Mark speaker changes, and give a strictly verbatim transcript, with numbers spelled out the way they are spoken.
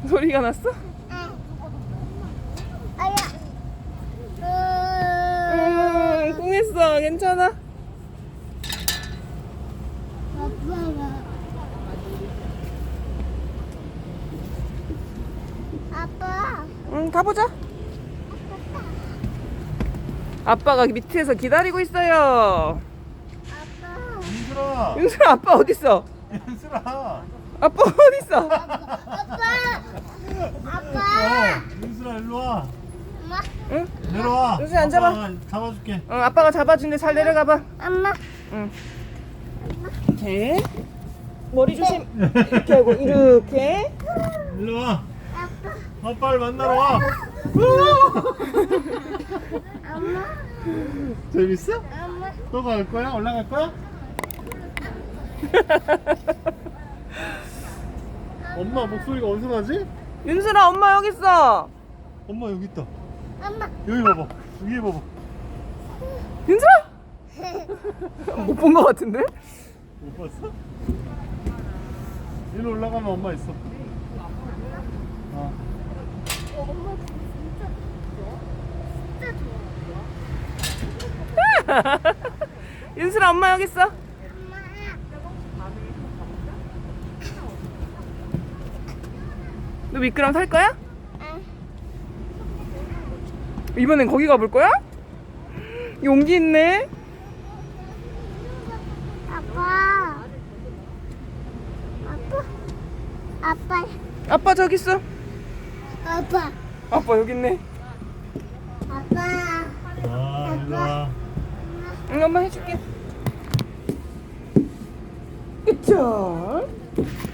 Speaker 1: 소리가 났어?
Speaker 2: 아야.
Speaker 1: 음, 꿍했어. 괜찮아?
Speaker 2: 아빠.
Speaker 1: 응, 가보자. 아빠가 밑에서 기다리고 있어요.
Speaker 2: 아빠.
Speaker 3: 윤슬아.
Speaker 1: 윤슬아, 아빠 어딨어?
Speaker 3: 윤슬아.
Speaker 1: 아빠 어딨어?
Speaker 2: 아빠. 아빠.
Speaker 3: 어, 윤슬아 일로 와.
Speaker 2: 엄마.
Speaker 1: 응?
Speaker 3: 내려와.
Speaker 1: 윤슬아, 앉아봐.
Speaker 3: 아빠가 잡아줄게.
Speaker 1: 응, 아빠가 잡아준대. 잘 내려가봐.
Speaker 2: 엄마.
Speaker 1: 응. 이렇게 머리 조심. 이렇게 하고 이렇게.
Speaker 3: 일로 와.
Speaker 2: 아빠.
Speaker 3: 아빠를 만나러 와.
Speaker 2: 엄마.
Speaker 3: 재밌어?
Speaker 2: 엄마.
Speaker 3: 또 갈 거야? 올라갈 거야? 엄마 목소리가 어디서 나지?
Speaker 1: 윤슬아, 엄마 여기 있어.
Speaker 3: 엄마 여기 있다.
Speaker 2: 엄마.
Speaker 3: 여기 봐봐. 위에 봐봐.
Speaker 1: 윤슬아? 못 본 거 같은데?
Speaker 3: 못 봤어? 위로 올라가면 엄마 있어. 어.
Speaker 2: 엄마 진짜 좋아. 진짜 좋아.
Speaker 1: 윤슬아, 엄마 여기 있어.
Speaker 2: 엄마.
Speaker 1: 너 미끄럼 탈 거야?
Speaker 2: 응.
Speaker 1: 이번엔 거기 가볼 거야? 용기 있네.
Speaker 2: 아빠. 아빠. 아빠.
Speaker 1: 아빠 저기 있어.
Speaker 2: 아빠.
Speaker 1: 아빠 여기 있네.
Speaker 2: 아빠.
Speaker 3: 아, 일로 와.
Speaker 1: 응, 엄마 해줄게. 그쵸?